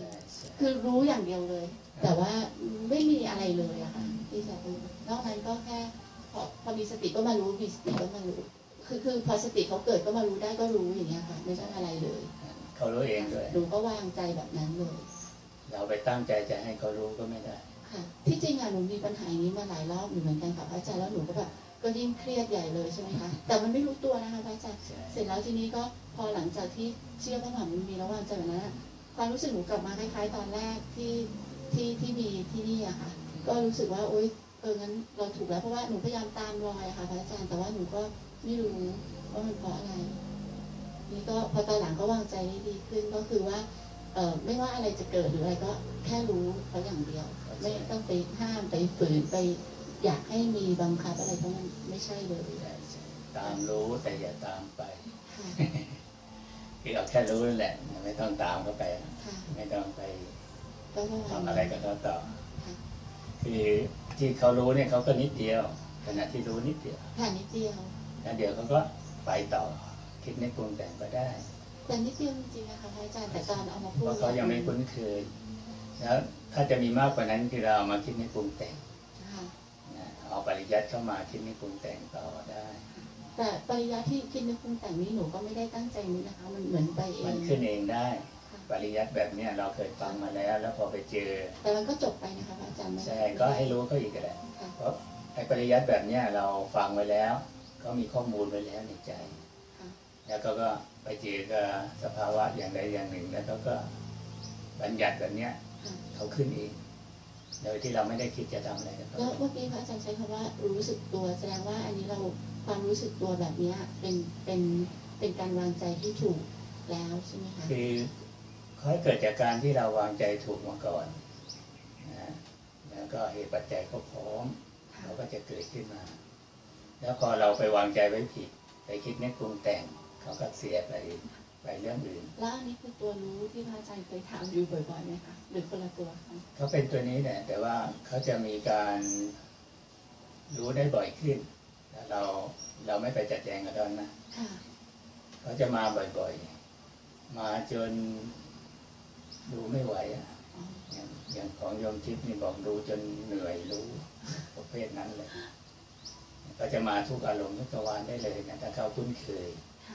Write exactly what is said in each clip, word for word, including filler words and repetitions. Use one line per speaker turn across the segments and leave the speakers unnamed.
คือรู้อย่างเดียวเลยแต่ว่าไม่มีอะไรเลยอะค่ะที่จะรู้นอกนั้นก็แค่พอพอมีสติก็มารู้มีสติก็มารู้คือคือพอสติเขาเกิดก็มารู้ได้ก็รู้อย่างเงี้ยค่ะไม่ใช่อะไรเลย
เขารู้เองด้วย
หนูก็วางใจแบบนั้นเลย
เราไปตั้งใจจะให้เขารู้ก็ไม่ได้
ค่ะที่จริงอะหนูมีปัญหาอย่างนี้มาหลายรอบอยู่เหมือนกันค่ะพระอาจารย์แล้วหนูก็แบบก็ยิ่งเครียดใหญ่เลยใช่ไหมคะแต่มันไม่รู้ตัวนะคะพระอาจารย์เสร็จแล้วทีนี้ก็พอหลังจากที่เชื่อพระมหาบุญมีแล้ววางใจแบบนั้นความรู้สึกหนูกลับมาคล้ายๆตอนแรกที่ที่ที่มีที่นี่อะค่ะก็รู้สึกว่าโอ๊ยเอองั้นเราถูกแล้วเพราะว่าหนูพยายามตามรอยอะค่ะพระอาจารย์แต่ว่าหนูก็ไม่รู้ว่ามันเพราะอะไรนี่ก็พอตอนหลังก็วางใจได้ดีขึ้นก็คือว่าเออไม่ว่าอะไรจะเกิดหรืออะไรก็แค่รู้เขาอย่างเดียวไม่ต้องไปห้ามไปฝืนไปอยากให้มีบังคับอะไรเพราะมันไม่ใช่เลย
ตามรู้แต่อย่าตามไปคือเอาแค่รู้นั่นแหละไม่ต้องตามเข้าไปไม่ต้องไปทำอะไรกับเขาต่อคือที่เขารู้เนี่ยเขาก็นิดเดียวขณะที่รู้นิดเดียว
ค่ะนิดเดียว
แล้วเดี๋ยวเขาก็ไปต่อคิดในปรุงแต่งก็ได้
แต่นิดเดียวจริงๆนะคะอาจารย์แต่ตอนเอามาพูด
เพราะเขายังไม่คุ้นเคยแล้วถ้าจะมีมากกว่านั้นคือเราเอามาคิดในปรุงแต่งเอาปริยัติเข้ามาคิดในปรุงแต่งต่อได้
แต่ปริยัติที่คิดในปรุงแต่งนี้หนูก็ไม่ได้ตั้งใจนี้นะคะมันเหมือนไปเอง
มันขึ้นเองได้ปริยัติแบบนี้เราเคยฟังมาแล้วแล้วพอไปเจอ
แต่มันก็จบไปนะคะอาจารย์
ใช่ก็ให้รู้ก็อีกแหละเพราะไอ้ปริยัติแบบนี้เราฟังไว้แล้วก็มีข้อมูลไว้แล้วในใจแล้วก็ก็ไปเจอกับสภาวะอย่างใดอย่างหนึ่งแล้วก็ก็บัญญัติแบบนี้เขาขึ้นเองโดยที่เราไม่ได้คิดจะทำอะไรกับเขา
ก็เมื่อกี้พระอาจารย์ใช้คำว่ารู้สึกตัวแสดงว่าอันนี้เราความรู้สึกตัวแบบนี้เป็นเป็นเป็นการวางใจที่ถูกแล้วใช่ไหมคะ
คือค่อยเกิดจากการที่เราวางใจถูกมาก่อนนะแล้วก็เหตุปัจจัยก็พร้อมเราก็จะเกิดขึ้นมาแล้วพอเราไปวางใจไว้ผิดไปคิดนึกปรุงแต่งเขาก็เสียไปไปเรื่องอื่น
แล้วอันนี้คือตัวรู้ที่พระอาจารย์เคยถามอยู่บ่อยๆไหมคะหรือคนละตัว
เขาเป็นตัวนี้แหละแต่ว่าเขาจะมีการรู้ได้บ่อยขึ้นแล้วเราเราไม่ไปจัดแจงกับเขานะเขาจะมาบ่อยๆมาจนดูไม่ไหวอ่ะอย่างอย่างของโยมทิพย์นี่บอกดูจนเหนื่อยรู้ประเภทนั้นเลยก็จะมาทุกอารมณ์ทุกตะวันได้เลยนะถ้าเขาคุ้นเคย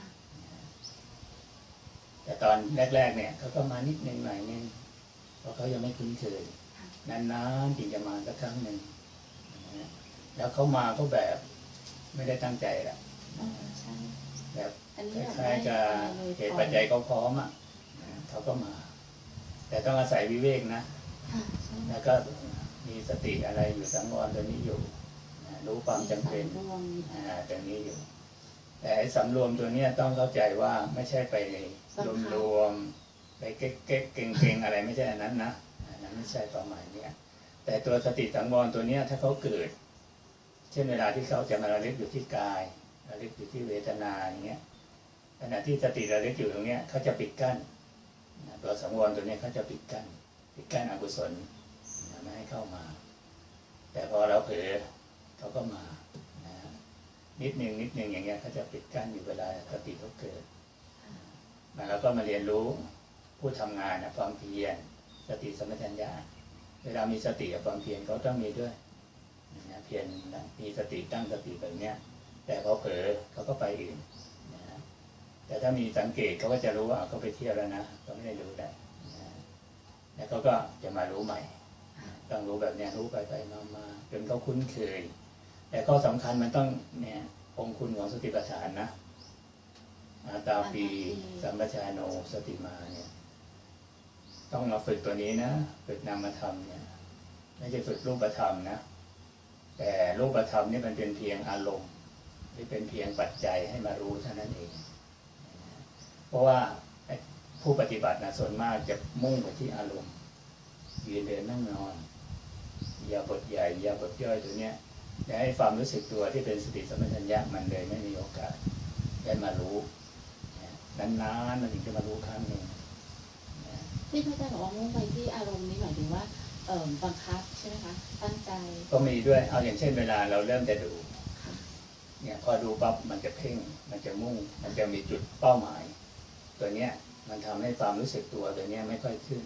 แต่ตอนแรกๆเนี่ยเขาก็มานิดนึงหน่อยนึงเพราะเขายังไม่คุ้นเคยนานๆจึงจะมาสักครั้งหนึ่งแล้วเขามาก็แบบไม่ได้ตั้งใจแหละแบบคล้ายๆกับเหตุปัจจัยเขาพร้อมอ่ะเขาก็มาแต่ต้องอาศัยวิเวกนะแล้วก็มีสติอะไรอยู่สังวรตัวนี้อยู่รู้ความจำเป็นตรงนี้อยู่แต่สำรวมตัวนี้ต้องเข้าใจว่าไม่ใช่ไปรวมๆไปเก๊กเก๊กเก่งเก่งอะไรไม่ใช่อันนั้นนะอันนั้นไม่ใช่ความหมายเนี่ยแต่ตัวสติสังวรตัวนี้ถ้าเขาเกิดเช่นเวลาที่เขาจะมาระลึกอยู่ที่กายระลึกอยู่ที่เวทนาอย่างเงี้ยขณะที่สติระลึกอยู่ตรงเนี้ยเขาจะปิดกั้นตัวสังวรตัวนี้เขาจะปิดกั้นปิดกั้นอกุศลไม่ให้เข้ามาแต่พอเราเผลอเขาก็มานิดหนึ่งนิดหนึ่งอย่างเงี้ยเขาจะปิดกั้นอยู่เวลาสติเขาเกิดแล้วก็มาเรียนรู้ผู้ทำงานนะความเพียรสติสัมปชัญญะเวลามีสติกับความเพียรเขาต้องมีด้วยนะเพียรมีสติตั้งสติแบบเนี้ยแต่พอเผลอเขาก็ไปอื่นนะแต่ถ้ามีสังเกตเขาก็จะรู้ว่าเขาไปเที่ยวแล้วนะเขาไม่ได้รู้ได้นะแล้วเขาก็จะมารู้ใหม่ต้องรู้แบบเนี้ยรู้ไปไปมามาจนเขาคุ้นเคยแต่ข้อสำคัญมันต้องเนี่ยองคุณของสติปัฏฐานนะอาตาปีสัมปชานโนสติมาเนี่ยต้องมาฝึกตัวนี้นะฝึกนามธรรมเนี่ยไม่ใช่ฝึกรูปธรรมนะแต่รูปธรรมนี่มันเป็นเพียงอารมณ์ที่เป็นเพียงปัจจัยให้มารู้เท่านั้นเองเพราะว่าผู้ปฏิบัตินะส่วนมากจะมุ่งไปที่อารมณ์ยืนเดินนั่งนอนยาบทใหญ่ยาบทย่อยตัวเนี้ยและให้ความรู้สึกตัวที่เป็นสติสัมปชัญญะมันเลยไม่มีโอกาสได้มารู้นานๆมันถึงจะมารู้ครั้งหนึ่ง
ที่พระอาจารย์บอกว่ามุ่งไปที่อารมณ์นี้หมายถึงว่าเอ่อบังคับใช่ไหมคะตั้งใจ
ก็มีด้วยเอาอย่างเช่นเวลาเราเริ่มจะดูเนี่ยพอดูปั๊บมันจะเพ่งมันจะมุ่งมันจะมีจุดเป้าหมายตัวเนี้ยมันทำให้ความรู้สึกตัวตัวเนี้ยไม่ค่อยขึ้น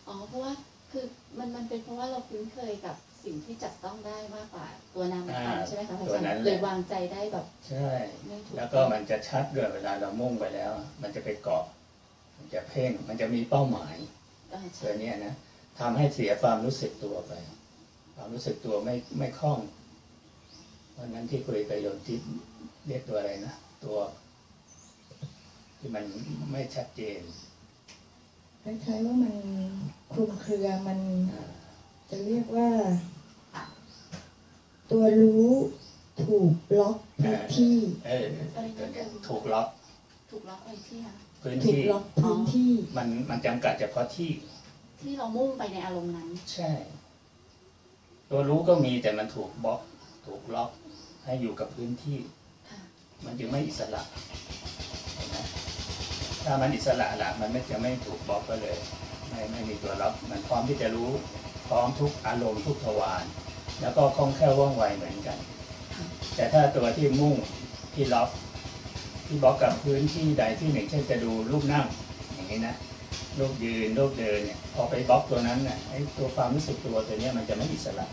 อ๋อเพราะว่าคือมันมันเป็นเพราะว่าเราคุ้นเคยกับสิ่งที่จับต้องได้มากกว่าตัวนามธรรมใช่ไหมคะอาจารย์เลยวางใจได้แบบ
ใช่แล้วก็มันจะชัดด้วยเวลาเรามุ่งไปแล้วมันจะไปเกาะมันจะเพ่งมันจะมีเป้าหมายตัวนี้นะทำให้เสียความรู้สึกตัวไปความรู้สึกตัวไม่ไม่คล่องวันนั้นที่คุยกับโยมที่เรียกตัวอะไรนะตัวที่มันไม่ชัดเจน
คล้ายๆว่ามันคลุมเครือมันจะเรียกว่าตัวรู้ถูกล็อกพื้นที่
เออตัวนี้ถูกล็อก
ถูกล็อกไอ้ที่ค่ะ
พื้น
ที่
ถู
กล็อกพื้นที่
มันมันจำกัดเฉพาะที่
ที่เรามุ่งไปในอารมณ์นั้น
ใช่ตัวรู้ก็มีแต่มันถูกบล็อกถูกล็อกให้อยู่กับพื้นที่มันจึงไม่อิสระเห็นไหมถ้ามันอิสระละมันไม่จะไม่ถูกบล็อกก็เลยไม่ไม่มีตัวล็อกมันพร้อมที่จะรู้พร้อมทุกอารมณ์ทุกทวารแล้วก็คล่องแคล่วว่องไวเหมือนกันแต่ถ้าตัวที่มุ่งที่ล็อกที่บล็อกกับพื้นที่ใดที่หนึ่งเช่นจะดูรูปนั่งอย่างนี้นะรูปยืนรูปเดินเนี่ยพอไปบล็อกตัวนั้นเนี่ยไอ้ตัวความรู้สึกตัวตัวนี้มันจะไม่อิสระ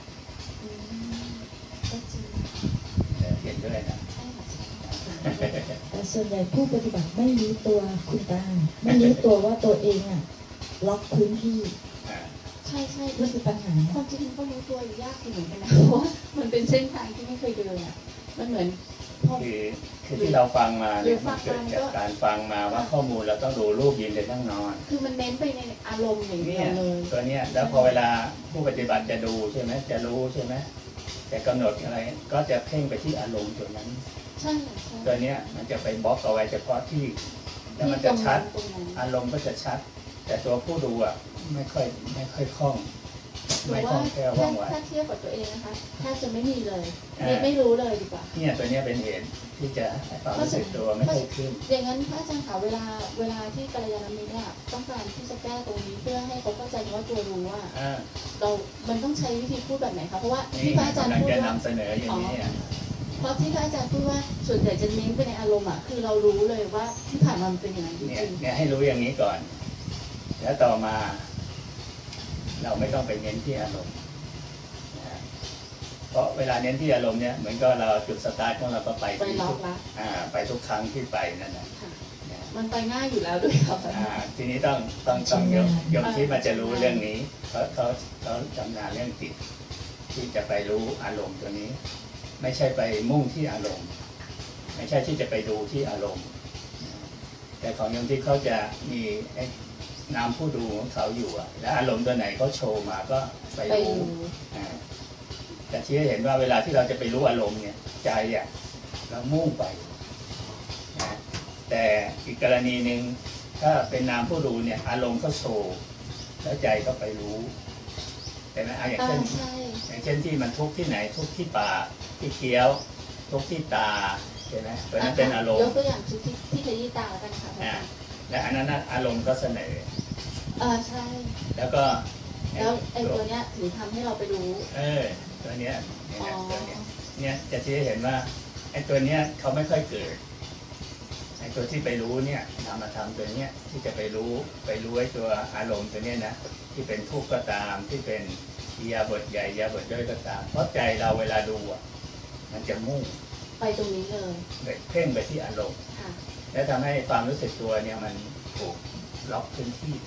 เห็นด้วยนะ
แต่ส่วนใหญ่ผู้ปฏิบัติไม่รู้ตัวคุณตาไม่รู้ตัวว่าตัวเองอ่ะล็อกพื้นที่
ใช่ใช่
นี่คือปัญหา
ความจริงก็รู้ตัวยากเหมือนกันนะเพราะว่ามันเป็นเส้นทางที่ไม่เคยเดินอ่ะมันเหมือน
คือคือที่เราฟังมาเนี่ยมันเกิดจากการฟังมาว่าข้อมูลเราต้องดูรูปยืนเดินนั่งนอน
คือมันเน้นไปในอารมณ์อย่างเดียวเลย
ตัวเนี้ยแล้วพอเวลาผู้ปฏิบัติจะดูใช่ไหมจะรู้ใช่ไหมจะกำหนดอะไรก็จะเพ่งไปที่อารมณ์ตัวนั้น
ใช่
ตัวเนี้ยมันจะไปบล็อกเอาไว้เฉพาะที่แล้วมันจะชัดอารมณ์ก็จะชัดแต่ตัวผู้ดูอ่ะไม่ค่อยไม่ค่อยคล่อง
ไม่คล่องแคล่วว่องไวถ้าเทียบกับตัวเองนะคะแทบจะไม่มีเลยไม่ไม่รู้เลยดีกว่า
เนี่ยตัวเนี้ยเป็นเหตุที่จะความรู้สึกตัวไม่ค่อยขึ้น
อย่างนั้นพระอาจารย์คะเวลาเวลาที่กัลยาณมิตรเนี่ยต้องการที่จะแก้ตรงนี้เพื่อให้เขาเข้าใจว่าตัวรู้ว่าเรา มันต้องใช้วิธีพูดแบบไหนคะเพราะว่าที่พระอาจารย์พูดว่าน
ำเสนออย่างนี้
เพราะที่พระอาจารย์พูดว่าส่วนใหญ่จะเน้นไปในอารมณ์อ่ะคือเรารู้เลยว่าที่ผ่านมามันเป็นอย่างนั้นจริง
ๆเนี่ยให้รู้อย่างนี้ก่อนแล้วต่อมาเราไม่ต้องไปเน้นที่อารมณ์เพราะเวลาเน้นที่อารมณ์เนี่ยเหมือนก็เราจุดสตาร์ทของเราก็ไป
ไปล็อกละ
ไปทุกครั้งที่ไปนั่นแหละ
มันไปง่ายอยู่แล้วด้วยครับ
ทีนี้ต้องต้องต้องยกยกที่มาจะรู้เรื่องนี้เพราะเขาเขาจำนานเรื่องจิตที่จะไปรู้อารมณ์ตัวนี้ไม่ใช่ไปมุ่งที่อารมณ์ไม่ใช่ที่จะไปดูที่อารมณ์แต่ของโยมที่เขาจะมีนามผู้ดูของเขาอยู่อ่ะและอารมณ์ตัวไหนเขาโชว์มาก็ไปรู้แต่ที่เห็นว่าเวลาที่เราจะไปรู้อารมณ์เนี่ยใจอ่ะเรามุ่งไปนะแต่อีกกรณีหนึ่งถ้าเป็นนามผู้ดูเนี่ยอารมณ์เขาโชว์แล้วใจก็ไปรู้แต่นะอย่างเช่นอย่างเช่นที่มันทุกข์ที่ไหนทุกข์ที่ปากที่เคี้ยวทุกข์ที่ตาใช่ไหมเพราะนั้นเป็นอารมณ์
ยกตัวอย่างที่ที่ขยี้ตากันค่ะ
และอันนั้นอารมณ์ก็เสนอ
เออใช่
แล้วก็
แล้วไอ้ตัวเนี้ยถึงทำให้เราไปรู้
เออตัวเนี้ยเนี่ยตัวเนี้ยเนี่ยจะที่เห็นว่าไอ้ตัวเนี้ยเขาไม่ค่อยเกิดไอ้ตัวที่ไปรู้เนี่ยนามธรรมตัวเนี้ยที่จะไปรู้ไปรู้ไอ้ตัวอารมณ์ตัวเนี้ยนะที่เป็นทุกข์ก็ตามที่เป็นอิริยาบถใหญ่อิริยาบถย่อยก็ตามเพราะใจเราเวลาดูอ่ะมันจะมุ่ง
ไปตรงนี้เลย
เพ่งไปที่อารมณ์แล้วทำให้ความรู้สึกตัวเนี่ยมันถูกล็อกพื้นที่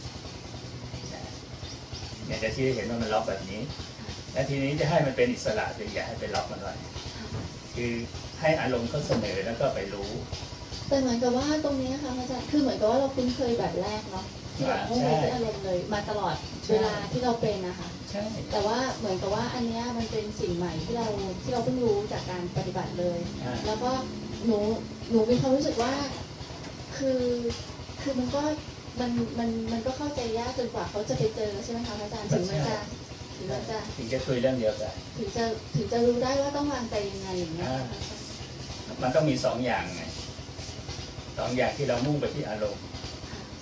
เนี่ยจะชี้ให้เห็นว่ามันล็อกแบบนี้และทีนี้จะให้มันเป็นอิสระคืออย่าให้ไปล็อกมันไว้คือให้อารมณ์เขาเสนอแล้วก็ไปรู้
แต่เหมือนกับว่าตรงนี้ค่ะอาจารย์คือเหมือนกับว่าเราคุ้นเคยแบบแรกเนาะที่แบบมุ่งไปที่อารมณ์เลยมาตลอดเวลาที่เราเป็นนะคะแต่ว่าเหมือนกับว่าอันนี้มันเป็นสิ่งใหม่ที่เราที่เราเพิ่งรู้จากการปฏิบัติเลยแล้วก็หนูหนูมีความรู้สึกว่าคือคือมันก็มันมันมันก็เข้าใจยากจนกว่าเขาจะไปเจอใช่ไหมคะอาจารย์ถึงมันจะถึงมันจะ
ถึงจะคุยเรื่องเดียวกัน
ถึงจะถึงจะรู้ได้ว่าต้องวางใจยังไงอย่างเงี้ย
มันต้องมีสองอย่างไงสองอย่างที่เรามุ่งไปที่อารมณ์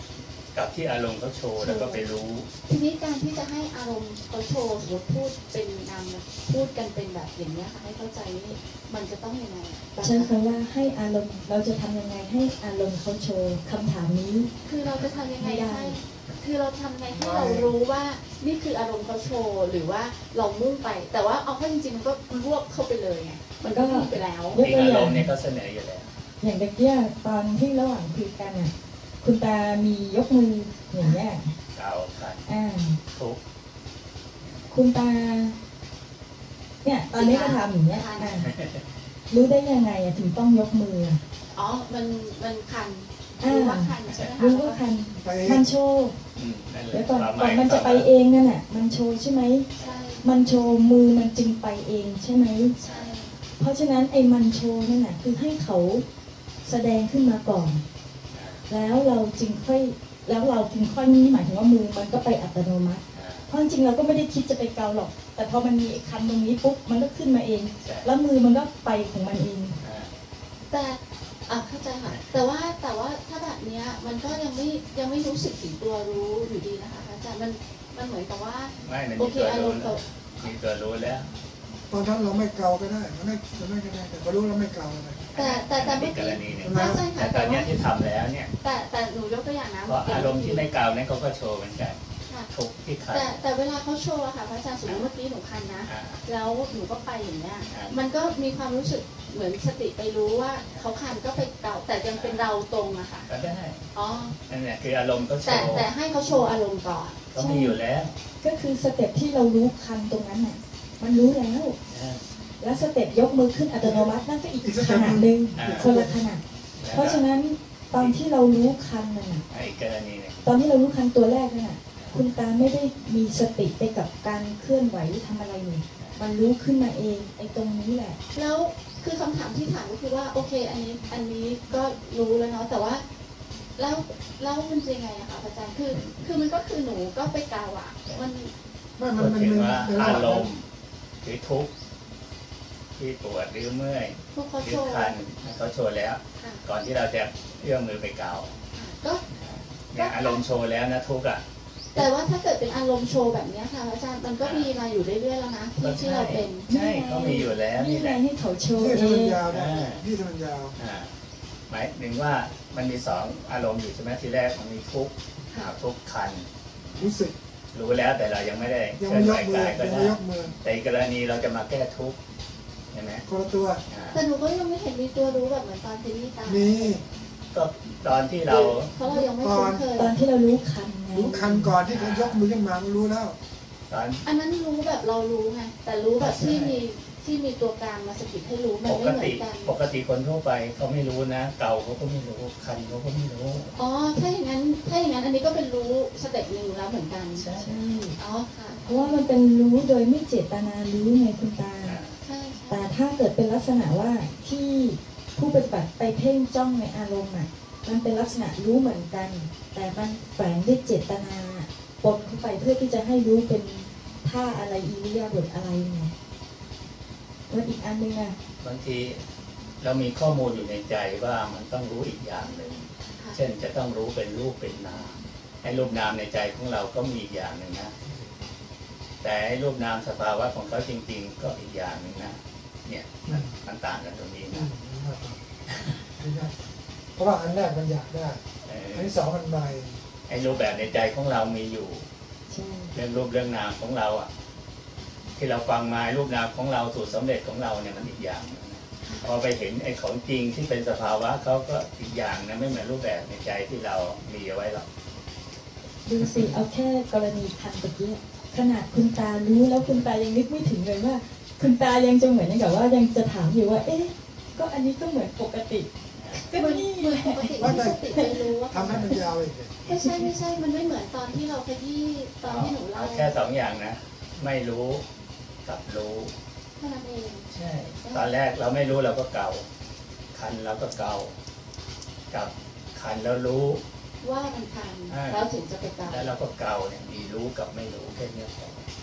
กับที่อารมณ์เขาโชว์แล้วก็ไปรู้
ทีนี้การที่จะให้อารมณ์เขาโชว์สมมติพูดเป็นนามพูดกันเป็นแบบอย่างนี้ยค่ะให้เข้าใจนี่มันจะต้องยังไง
ใช่คำว่าให้อารมณ์เราจะทำยังไงให้อารมณ์เขาโชว์คำถามนี้
คือเราจะทำยังไงให้คือเราทำยังไงให้เรารู้ว่านี่คืออารมณ์เขาโชว์หรือว่าเรามุ่งไป แต่ว่าเอาเข้าจริงๆมันก็รวบเข้าไปเลยไงมันก็มุ่งไปแล้ว
จริงอารมณ์เนี่ยก็เสนออยู่แล้ว
อย่างเมื่อกี้ตอนที่ระหว่างคุยกันอ่ะคุณตามียกมืออย่างเงี้ย
เก่าขัน
อ่า
ทุก
คุณตาเนี่ยตอนนี้ก็ทำอย่างเงี้ยอ่ารู้ได้ยังไงอะถึงต้องยกมือ
อ๋อมันมันคัน
อ่า
รู้ว่าคันใช่ไหมคะ
รู้ว่าคันมันโชว์
อืมนั่นแหละ
เดี๋ยวก่อน
ความห
ก่อ
มาน ย
มันจะไปเองนั่นแหละมันโชว์ใช่ไหม
ใช่
มันโชว์มือมันจึงไปเองใช่ไหม
ใช่
เพราะฉะนั้นไอ้มันโชว์นั่นแหละคือให้เขาแสดงขึ้นมาก่อน แล้วเราจึงค่อยแล้วเราจึงค่อยนี่หมายถึงว่ามือมันก็ไปอัตโนมัติ
อ่า
เพราะจริงๆเราก็ไม่ได้คิดจะไปเกาหรอก แต่พอมันมีไอ้คันตรงนี้ปุ๊บมันก็ขึ้นมาเอง
ใช่
แล้วมือมันก็ไปของมันเอง
อ่า
แต่อ่ะเข้าใจค่ะแต่ว่าแต่ว่าถ้าแบบเนี้ยมันก็ยังไม่ยังไม่รู้สึกถึงตัวรู้อยู่ดีนะคะอาจารย์มันมันเหมือนกับว่า
ไม่มัน
โอ
มี
เค
ตัว
อาร
รู้
มณ์
แล้วมีตัวรู้แล้ว
ตอนนั้นเราไม่เกาก็ได้มันไม่มันไม่ก็ได้แต่พอรู้แล้วไม่เกาก็ได้
แต่แต่แต่
อัน
เมื่
นี้
อก กี้
รณีหนึ่ง
เข้าใจ
แต่
ค่ะ
ตอ
แต่
นเนี้
ว่าย
ที่ทำแล้วเนี่ย
แต่แต่หนูยกตัวอย่างนะ
เพราะอารมณ์ที่ไม่เก่านั้นเขาก็โชว์เหมือนกัน
ค่ะ
ทุกที่ขัน
แต่แต่เวลาเขาโชว์อะค่ะพระอาจารย์สมมติเมื่อกี้หนูคันนะ
อ่า
แล้วหนูก็ไปอย่างเงี้ย
อ่ามั
มันก็มีความรู้สึกเหมือนสติไปรู้ว่าเขาคันก็ไปเก่าแต่ยังเป็นเราตรงอะค่ะ
ก็ได้
อ๋อ
นั่นแหละคืออารมณ์เขาโช
แต่
ว์
แต่ให้เขาโชว์อารมณ์ก่อน
ก็มีอยู่แล้ว
ก็คือสเต็ปที่เรารู้คันตรงนั้นน่ะมันรู้แล้ว
อ่า
แล้วสเต็ปยกมือขึ้นอัตโนมัตินั่นก็อีกขนาดหนึ่ง
อ่า
คนละขนาดเพราะฉะนั้นตอนที่เรารู้คันนั่นน่ะ
ไอ้กรณีเนี่ย
ตอนที่เรารู้คันตัวแรกนั่นน่ะคุณตาไม่ได้มีสติไปกับการเคลื่อนไหวทำอะไรเลยมันรู้ขึ้นมาเองไอ้ตรงนี้แหละ
แล้วคือคำถามที่ถามก็คือว่าโอเคอันนี้อันนี้ก็รู้แล้วเนาะแต่ว่าแล้วแล้วมันจะยังไงอะคะอาจารย์คือคือมันก็คือหนูก็ไปกาวอะมัน
ไม่มั
พู
น
ด
มัน
ถึง
มัน
ว่า
ในระห
อา
ว่าง
ร
นั้น
มณ์หรือทุกข์ที่ปวดหรือเมื่อย
พวกเขา
หรื
โช
อ
ว์
คันเขาโชว์แล้ว
ค่ะ
ก่อนที่เราจะเอื้อมมือไปเกา
ก็
เนี่ยอารมณ์โชว์แล้วนะทุกข์อ่ะ
แต่ว่าถ้าเกิดเป็นอารมณ์โชว์แบบเนี้ยค่ะอาจารย์มันก็มีมาอยู่เรื่อยๆแล้วนะที่ที่เราเป็น
ใช่เขามีอยู่แล้ว
นี่
นี่แห
ไง
ละ
ให้เขาโชว์
ที่
เอ
ทำมัน
ง
ยาวได้
อ่า
ที่ทำมันยาว
อ่าหมายถึงว่ามันมีสองอารมณ์อยู่ใช่ไหมทีแรกมันมีทุกข์
ค่ะ
อ่าทุกข์คัน
รู้สึก
รู้แล้วแต่เรายังไม่ได้
ยัง
เคลื่
ไม่
อน
ย
ไหว
กมือก
ายก็
ยัง
ได้
ไม่ยกมือ
แต่อีกกรณีเราจะมาแก้ทุกข์ใช่ไหม
คนละตัว
อ่า
แต่หนูก็ยังไม่เห็นมีตัวรู้แบบเหมือนตอนเทนนี่ตาม
มี
ก็ตอนที่เรา
เพราะเรายังไม่คุ้นเคย
ตอนที่เรารู้คันไง
รู้คันก่อนที่เขายกมือขึ้นมามันรู้แล้ว
ตอน
อันนั้นรู้แบบเรารู้ไงแต่รู้แบบที่มีที่มีตัวกลางมาสะกิดให้รู้มัน
ป
ไม่
ก
เหมือ
ติ
นกัน
ปกติคนทั่วไปเขาไม่รู้นะ เก่าเขาก็ไม่รู้คันเขาก็ไม่รู้
อ๋อถ้าอย่างนั้นถ้าอย่างนั้นอันนี้ก็เป็นรู้สเต็ปหนึ่งแล้วเหมือนกัน
ใช่
ใช่
อ๋อค่ะ
เพราะว่ามันเป็นรู้โดยไม่เจตนารู้ไงคุณตา
อ่า
ใช่
แต่
ใช่
ถ้าเกิดเป็นลักษณะว่าที่ผู้ปฏิบัติไปเพ่งจ้องในอารมณ์อ่ะมันเป็นลักษณะรู้เหมือนกัน แต่มันแฝงด้วยเจตนาปนเข้าไปเพื่อที่จะให้รู้เป็นท่าอะไรอิริยาบถอะไรไงแล้วอีกอันหนึงอ่ะ
บางทีเรามีข้อมูลอยู่ในใจว่ามันต้องรู้อีกอย่างหนึ่ง
ค่ะ
เช่นจะต้องรู้เป็นรูปเป็นนามไอ้รูปนามในใจของเราก็มีอีกอย่างหนึ่งนะ แต่ไอ้รูปนามสภาวะของเขาจริง ๆ ก็อีกอย่างหนึ่งนะ เนี่ยมันมันต่างกันตรงนี้
อื
นะ
มไม่ได้เพราะว่าอันแรกมันอยากได้
เออ
อันที่สองมันใหม่
ไอ้รูปแบบในใจของเรามีอยู่
ใช่
เรื่องรูปเรื่องนามของเราอ่ะ ที่เราฟังมารูปนามของเราสูตรสำเร็จของเราเนี่ยมันอีกอย่างหนึ่งนะพอไปเห็นไอ้ของจริงที่เป็นสภาวะเขาก็อีกอย่างนะไม่เหมือนรูปแบบในใจที่เรามีเอาไว้หรอก
ดูสิเอาแค่กรณีคันตะกี้ขนาดคุณตารู้แล้วคุณตายังนึกไม่ถึงเลยว่า คุณตายังจะเหมือนกับว่ายังจะถามอยู่ว่า เอ๊ะก็อันนี้ก็เหมือนปกติก็
เหมือน
นี่
เหมือนปกติที่สติไปรู้ว่า
ทำให้มันยาวอีกเลย
ไม่ใช่ไม่ใช่มันไม่เหมือนตอนที่เราขยี้ตอนที่หนูเล่า
เอาแค่สองอย่างนะ ไม่รู้กับรู้
แค่นั้นเอง
ใช่ ตอนแรกเราไม่รู้เราก็เกาคันเราก็เกากับคันแล้วรู้
ว่ามันคัน
อ่า
แล้วถึงจะไปเกา
แล้วเราก็เกาเนี่ยมีรู้กับไม่รู้แค่เนี้ยพอ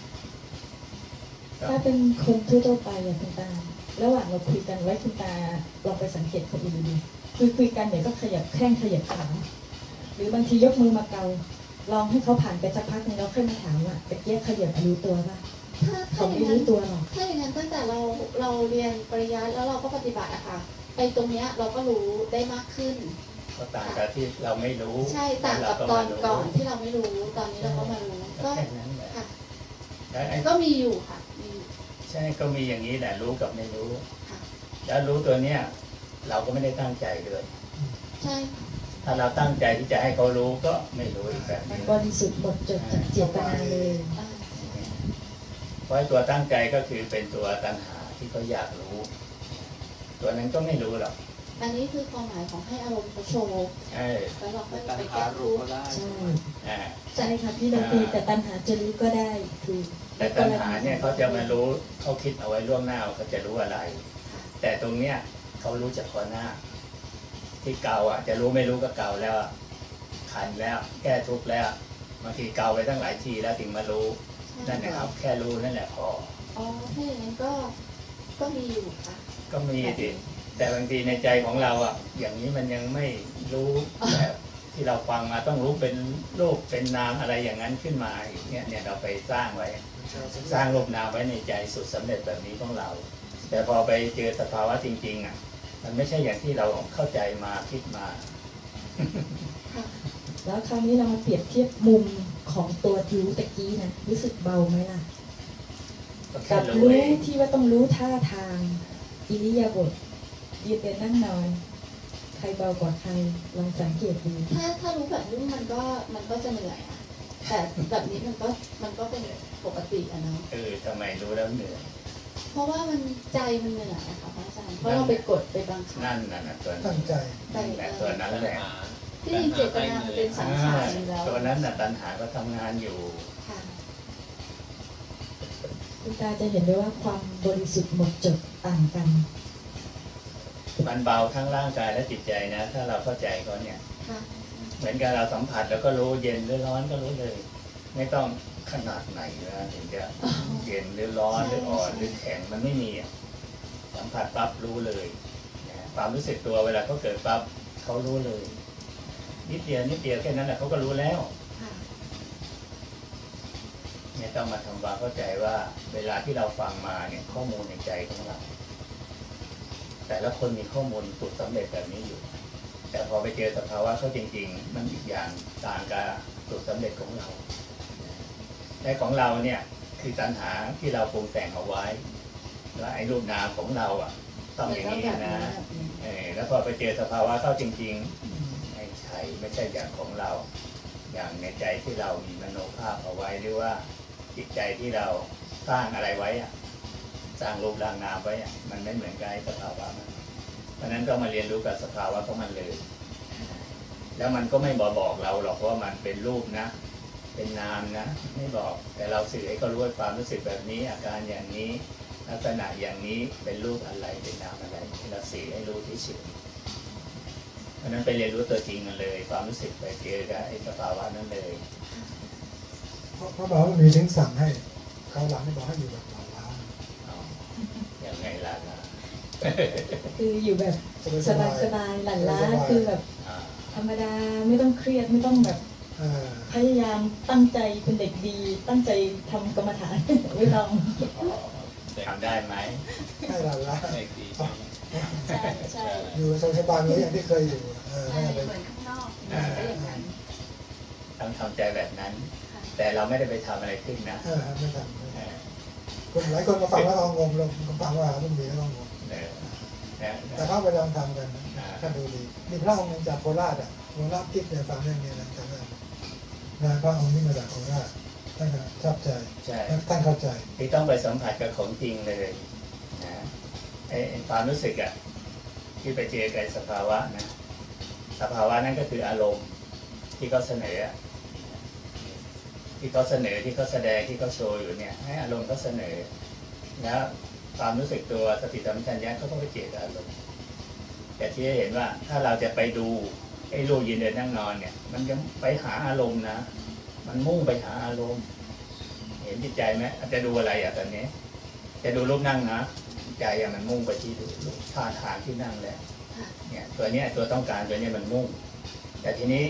ถ้าเป็นคนทั่วๆไปอะคุณตาระหว่างเราคุยกันไว้คุณตาลองไปสังเกตคนอื่นดูคุยคุยกันเดี๋ยวก็ขยับแข้งขยับขาหรือบางทียกมือมาเกาลองให้เขาผ่านไปสักพักนึงแล้วค่อยมาถามว่าตะเกียบขยับรู้ตัวป่ะ
ถ้า
เขา
ถ้าอ
ไม่
ย่างนั้น
รู้ตัวหรอก
ถ้าอย่างนั้นตั้งแต่เราเราเรียนปริยัติแล้วเราก็ปฏิบัติอะค่ะไอ้ตรงเนี้ยเราก็รู้ได้มากขึ้น
ก็ต่างกับที่เราไม่รู้
ใช่ต่างกับตอนก่อนที่เราไม่รู้ตอนนี้เราก็มารู้ก็
แค่นั้นแหละ
ค่ะ
แล้วไอ้
ก็มีอยู่ค่ะมีอยู่
ใช่ก็มีอย่างนี้แหละรู้กับไม่รู้
ค่ะ
แล้วรู้ตัวเนี้ยเราก็ไม่ได้ตั้งใจด้วย
ใช่
ถ้าเราตั้งใจที่จะให้เขารู้ก็ไม่รู้อีกแบบ
มัน
นี้
บริสุทธิ์หมดจดจากเจตนาเลย
อ่า
เพราะตัวตั้งใจก็คือเป็นตัวตัณหาที่เขาอยากรู้ ตัวนั้นก็ไม่รู้หรอก
อันนี้คือความหมายของให้อารมณ์เขาโชว์
เออ
แล้วเราก็
ตัณ
ไป
หา
แก้
รู้
รู้
ก็ได้
ใช่
อ่า
ใช่ค่ะพี่ดนตรีแต่ตัณหาจะรู้ก็ได้คือ
แต่ตัณหาเนี่ยเขาจะมารู้เขาคิดเอาไว้ล่วงหน้าเขาจะรู้อะไร
ค่ะ
แต่ตรงเนี้ยเขารู้จักก่อนหน้า ที่เก่าอ่ะจะรู้ไม่รู้ก็เก่าแล้วอะขันแล้ว แก้ทุกข์แล้วบางทีเก่าไปตั้งหลายทีแล้วถึงมารู้นั่นนะครับแค่รู้นั่นแหละพอ
อ๋อถ้าอย่างนั้นก็ก็มีอยู่ค่ะ
ก็มีดิแต่บางทีในใจของเราอ่ะอย่างนี้มันยังไม่รู้แบบที่เราฟังมาต้องรู้เป็นรูปเป็นนามอะไรอย่างนั้นขึ้นมาอีกเนี่ยเนี่ยเราไปสร้างไว้ สร้างรูปนามไว้ในใจสุดสำเร็จแบบนี้ของเรา แต่พอไปเจอสภาวะจริงๆอ่ะมันไม่ใช่อย่างที่เราเข้าใจมาคิดมา
ค่ะ
แล้วคราวนี้เรามาเปรียบเทียบมุมของตัวรู้ตะกี้นะรู้สึกเบาไหมล่ะ
ก็แค่
กับ
รู้
รู้
เอง
ที่ว่าต้องรู้ท่าทางอิริยาบถยืนเดินนั่งนอน ใครเบากว่าใครลองสังเกตดู
ถ้าถ้ารู้แบบนี้มันก็มันก็จะเหนื่อยอะแต่แบบนี้มันก็มันก็เป็นปกติอะเนาะ
เออทำไมรู้แล้วเหนื่อย
เพราะว่ามันใจมันเหนื่อยอะค่ะพระอาจารย์เพราะเราไปกดไปบังคับ
นั่นน่ะนะตัว
ตั้
นั้
ง
น
ใจ
นั่นแหละตัวนั้นแหละ
ที่จริงเจตนามันเป็นสังขารอยู่แล้ว
ตัวนั้นน่ะตัณหาก็ทำงานอยู่
ค่ะ
คุณตาจะเห็นได้ว่าความบริสุทธิ์หมดจดต่างกัน
มันเบาทั้งร่างกายและจิตใจนะ ถ้าเราเข้าใจเขาเนี่ย
ค่ะ
เหมือนกับเราสัมผัสแล้วก็รู้เย็นหรือร้อนก็รู้เลย ไม่ต้องขนาดไหนนะถึงจะเย็นหรือร้อนหรืออ่อนหรือแข็งมันไม่มีอะสัมผัสปั๊บรู้เลยนะความรู้สึกตัวเวลาเขาเกิดปั๊บเขารู้เลย นิดเดียวนิดเดียวแค่นั้นแหละเขาก็รู้แล้ว
ค่ะ
เนี่ยต้องมาทำความเข้าใจว่าเวลาที่เราฟังมาเนี่ยข้อมูลในใจของเรา แต่ละคนมีข้อมูลสูตรสำเร็จแบบนี้อยู่ แต่พอไปเจอสภาวะเขาจริงๆ มันอีกอย่างต่างกับสูตรสำเร็จของเราแต่ของเราเนี่ยคือตัณหาที่เราปรุงแต่งเอาไว้แล้วไอ้รูปนามของเราอ่ะต้องอย่างนี้นะเออแล้วพอไปเจอสภาวะเข้าจริงๆไม่ใช่ไม่ใช่อย่างของเรา อย่างในใจที่เรามีมโนภาพเอาไว้หรือว่าจิตใจที่เราสร้างอะไรไว้อะสร้างรูปร่างนามไว้อะมันไม่เหมือนกับไอ้สภาวะมันเพราะนั้นก็มาเรียนรู้กับสภาวะของมันเลย แล้วมันก็ไม่บอกบอกเราหรอกว่ามันเป็นรูปนะ เป็นนามนะ ไม่บอกแต่เราสื่อให้เขารู้ว่าความรู้สึกแบบนี้ อาการอย่างนี้ลักษณะอย่างนี้เป็นรูปอะไรเป็นนามอะไรเราสื่อให้รู้ที่สุดเพราะนั้นไปเรียนรู้ตัวจริงกันเลย ความรู้สึกไปเจอกับไอ้สภาวะนั้นเลย
เพราะเพราะบอกว่ามีถึงสั่งให้เขาหลังไม่บอกให้อยู่แบบหลังล้า
อ๋อยังไงล่ะนะ
คืออยู่แบบ
สบาย
ส
ส
บา
บาย
ยๆหลั่นล้าคือแบบ
อ่า
ธรรมดาไม่ต้องเครียดไม่ต้องแบบ
เออ
พยายามตั้งใจเป็นเด็กดี ตั้งใจทำกรรมฐาน ไม่ต้อง
ทำได้ไหม
ให้หลังล้า
เด็กดีใช่ไหม
ใช่ใช่
อยู่สบายๆเหมือนอย่างที่เคยอยู่เออ
ใช่
ไม่
เห
ไป
มือนข้างนอกเหมือนก็อย่างนั้น
ต้องทำใจแบบนั้น
ค่ะ
แต่เราไม่ได้ไปทำอะไรขึ้นนะ
เออไม่ทำไม่
เอ
ท
อ
ำคนหลายคนมาฟังแล้วก็งงลงฟังว่าต้องมีแล้วก็งง
เออเออ
แต่เขาไปลองทำกันนะท่านดูดีมีพระองค์หนึ่งจากโคราชอ่ะหลวงรับทิพย์เนี่ยฟังเรื่องนี้นะจำได้นะพระองค์นี้มาจากโคราชท่านก็ชอบใจ
ใช่
ท่านเข้าใจ
ที่ต้องไปสัมผัสกับของจริงเลยนะไอ้ไอ้ความรู้สึกอะที่ไปเจอกับสภาวะนะสภาวะนั้นก็คืออารมณ์ที่เขาเสนออะที่เขาเสนอที่เขาแสดงที่เขาโชว์อยู่เนี่ยให้อารมณ์เขาเสนอแล้วความรู้สึกตัวสติสัมปชัญญะเขาก็ไปเจอกับอารมณ์แต่ที่ให้เห็นว่าถ้าเราจะไปดูไอ้รูปยืนเดินนั่งนอนเนี่ย มันยังไปหาอารมณ์นะมันมุ่งไปหาอารมณ์ เห็นจิตใจไหมอาจจะดูอะไรอ่ะตอนนี้ จะดูรูปนั่งนะใจอะมันมุ่งไปที่ดูรูปท่าทางที่นั่งแล้ว
ค่ะ
เนี่ยตัวเนี้ยตัวต้องการตัวเนี้ยมันมุ่ง แต่ทีนี้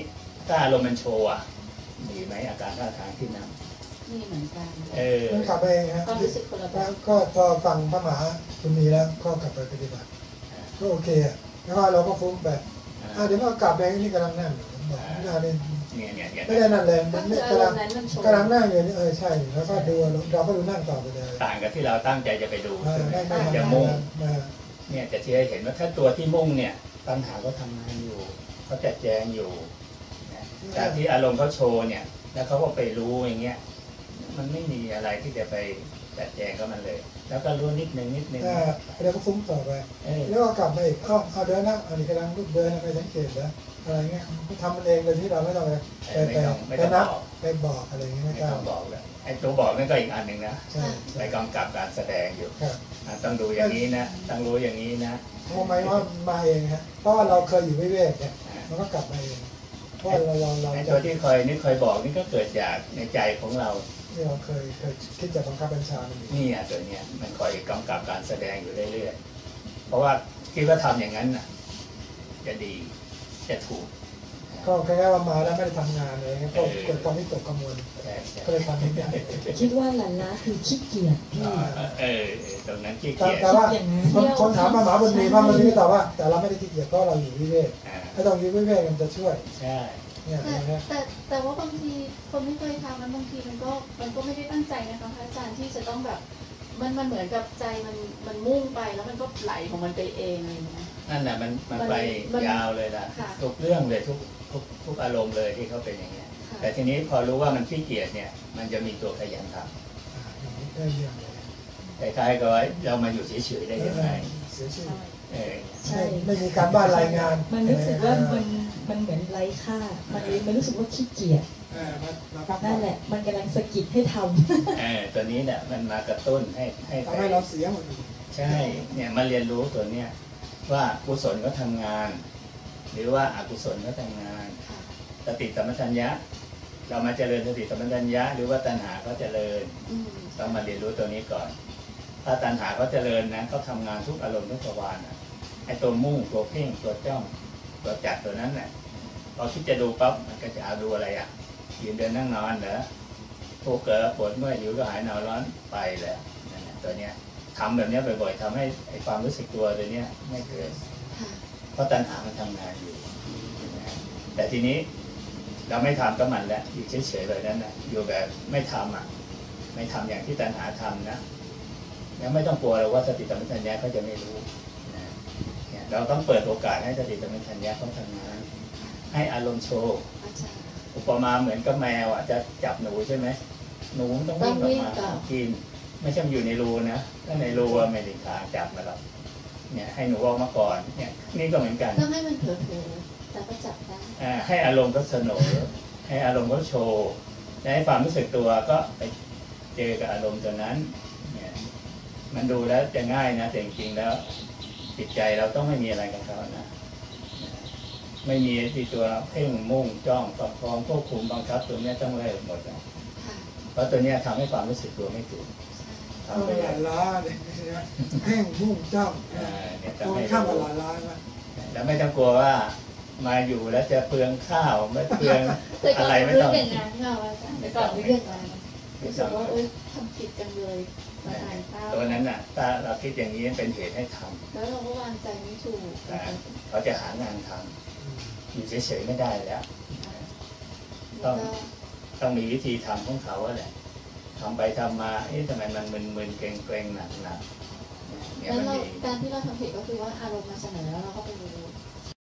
ถ้าอารมณ์มันโชว์อ่ะมีไหมอาการท่าทางที่นั่ง
นี่เหมือนกัน
เออ
มันขับไปเองฮะ
ความรู้สึกคนละแบ
แล้ว
บ
ก็พอฟังพระมหาคุณมีแล้วก็กลับไปปฏิบัติก็โอเคอ่ะแล้วก็เราก็ฟุ้งไปอ่ะเดี๋ยวก็กลับไปนี่กำลังนั่งผมบอกไม่ได้เลย
เนี่ยเนี่ยเนี่ย
ไม่ได้นั่นเลย
ก็
มัน
คื
ไม่
ออาก
ำ
ร
ลัง
มณ์นั้นมันโชว์
กำลังนั่งอยู่นี่เออใช่แล้วก็ดูเราก็ดูนั่งต่อไปเลย
ต่างกับที่เราตั้งใจจะไปดู
อ่า
ใช่ไหม
ไม่ไม่
จะ
ทำ
มุ่ง
มา
เนี่ยจะที่ให้เห็นว่าถ้าตัวที่มุ่งเนี่ยปัญหาเขาทำงานอยู่เขาจัดแจงอยู่นะแต่ที่อารมณ์เขาโชว์เนี่ยแล้วเขาก็ไปรู้อย่างเงี้ยมันไม่มีอะไรที่จะไปจัดแจงกับมันเลย แล้วก็รู้นิดนึงนิดนึง
อ่าแล้วก็ฟุ้งต่อไป
เออ
แล้วก็กลับมาอีกเอ้าเอาเดินนะอันนี้กำลังลุกเดินไปสังเกตแล้วอะไรเงี้ยทำมันเองโดยที่เราไม่ต้องไปไป
ไม่
ไป
ต้องไม่
ไป
ต้อง
นั
บบ อก
ไปบอกอะไรเงี้ยไม่
ไม่
ต้
ต้
อ
อง งบอกเลยไอ้ตัวบอกนั่นก็อีกอันหนึ่งนะ
ใช่
ไปกำกับการแสดงอยู่
ครับ
อ่ะต้องดูอย่างนี้นะต้องรู้อย่างนี้นะ
ทำไมว่ามาเองฮะเพราะว่าเราเคยอยู่วิเวกเนี่ยมันก็กลับมาเองเพราะว่าเราเราเรา
ไอ้ตัวที่คอยนี่คอยบอกนี่ก็เกิดจากในใจของเรา
ที่เราเคยเคยคิดจะบังคับบัญชามันอยู่
นี่อ่ะตัวเนี้ยมันคอยกำกับการแสดงอยู่เรื่อยๆเพราะว่าคิดว่าทำอย่างนั้นน่ะจะดีจะถูก
ก็แค่ว่ามาแล้วไม่ได้ทำงานอะไรเงี้ยก็เกิดความวิตกกังวล
ใช่ใช่
ก็เลยทำไม่ได้
คิดว่าหลานล้าคือขี้เกียจพี่
อ่าเออเออตรงนั้นขี้
แต่
เกียจ
แต่ว่า
อย่างนั้น
คนคนถามมาหมาบุญมีพระบุญมีตอบว่า แต่เราไม่ได้ขี้เกียจเพราะเราอยู่วิเวก
อ่า
ถ้าเราอยู่วิเวกมันจะช่วย
ใช่
เนี่ย
แต่
นะฮะ
แต่แต่ว่าบางทีคนไม่เคยทำมันบางทีมันก็มันก็ไม่ได้ตั้งใจนะคะพระอาจารย์ที่จะต้องแบบมันมันเหมือนกับใจมันมันมุ่งไปแล้วมันก็ไหลของมันไปเองอะไรอย่างเงี้ย
นั่นแหละมันมันไป
มัน
ยาวเลยล่ะ
ค่ะ
ทุกเรื่องเลยทุกทุกทุกอารมณ์เลยที่เขาเป็นอย่างเงี้ย
ค่ะ
แต่ทีนี้พอรู้ว่ามันขี้เกียจเนี่ยมันจะมีตัวขยันท
อ่าอย่างนี้ได้เรื่องเลย
ำคล้ายๆกับว่าเรามาอยู่เฉยๆได้ยังไง
เสียชื่อ
เออ
ใช่
ไม่ไม่มีการบ้านรายงาน
มันรู้สึกว่ามันมันเหมือนไร้ค่า มันเลยมันรู้สึกว่าขี้เกียจ
เออมันเราพักผ่อ
นั่
น
นแหละ มันกำลังสะกิดให้ทำ
เออตัวนี้เนี่ยมันมากระตุ้นให้ให้ไป
ทำให้เราเสียหมดเลย
ใช่เนี่ยมาเรียนรู้ตัวเนี้ยว่ากุศลก็ทำงาน หรือว่าอกุศลก็ทำงาน
ค่ะ
สติสัมปชัญญะ เรามาเจริญสติสัมปชัญญะ หรือว่าตัณหาก็เจริญ
อืม
ต้องมาเรียนรู้ตัวนี้ก่อน ถ้าตัณหาเขาเจริญนะเขาทำงานทุกอารมณ์ทุกประวารนะไอ้ตัวมุ่งตัวเพ่งตัวจ้องตัวจัดตัวนั้นน่ะพอคิดจะดูปั๊บมันก็จะเอาดูอะไรอ่ะยืนเดินนั่งนอนเหรอทุกข์เกิดปวดเมื่อยหิวก็หายหนาวร้อนไปแล้วนั่นแหละตัวเนี้ยทำแบบเนี้ยบ่อยๆทำให้ไอ้ความรู้สึกตัวตัวเนี้ยไม่เกิด
ค่ะ
เพราะตัณหามันทำงานอยู่นะแต่ทีนี้เราไม่ทำก็มันแล้วอยู่เฉยๆแบบนั้นนะอยู่แบบไม่ทำอ่ะไม่ทำอย่างที่ตัณหาทำนะแล้วไม่ต้องกลัวเราว่าสติสัมปชัญญะเขาจะไม่รู้นะเนี่ยเราต้องเปิดโอกาสให้สติสัมปชัญญะเขาทำงาน ให้อารมณ์โชว์
อาจารย์
อุปมาเหมือนกับแมวอ่ะจะจับหนูใช่ไหมหนูต้องวิ่งออกมากิน ไม่ใช่มันอยู่ในรูนะถ้าในรูอะไม่ได้ขาจับมาหรอกเนี่ยให้หนูออกมาก่อนเนี่ยนี่ก็เหมือนกัน
ต้องให้มันเผลอๆแต่ก็จับได้
อ่าให้อารมณ์เขาเสนอให้อารมณ์เขาโชว์และให้ความรู้สึกตัวก็ไปเจอกับอารมณ์ตัวนั้นเนี่ยมันดูแล้วจะง่ายนะแต่จริงๆแล้วจิตใจเราต้องไม่มีอะไรกับเขานะไม่มีที่ตัวเพ่งมุ่งจ้องประคองควบคุมบังคับตัวเนี้ยต้องเลิกหมดนะ
ค่ะ
เพราะตัวเนี้ยทำให้ความรู้สึกตัวไม่ถูก
เอา
ทำไป
ห
เล
ลาย ยล้าเนี่ยแห้งมุ่งจ้อง
อ่าเนี่ย
ตรง
ทำให้
ข้าม
รู้
กับหลายล้านะ
แล้วไม่ต้องกลัวว่ามาอยู่แล้วจะเปลืองข้าวไม่เปลือง
แต่ก่
อะ
อน
ไรไม่
รู้
ต้อง
อย่างนั้นค่ะอาจารย์แต่ก่อนรู้อย่างนั้นรู้สึกว่าเอ้ยทำผิดจังเลยมาอ่านข้าว
ตัวนั้นน่ะถ้าเราคิดอย่างนี้เป็นเหตุให้ทำ
แล้วเราก็วางใจไม่ถูก
นะเขาจะหางานทำอยู่เฉยๆไม่ได้แล้ว
แล้วก็
ต้องมีวิธีทำของเขาแหละทำไปทำมาเอ๊ะทำไมมันมึนๆเกร็งๆหนักๆเนี่ย
แล้ว
มัน
เรา
มี
การที่เราทำผิดก็คือว่าอารมณ์มาเสนอแล้วเราก็ไปรู้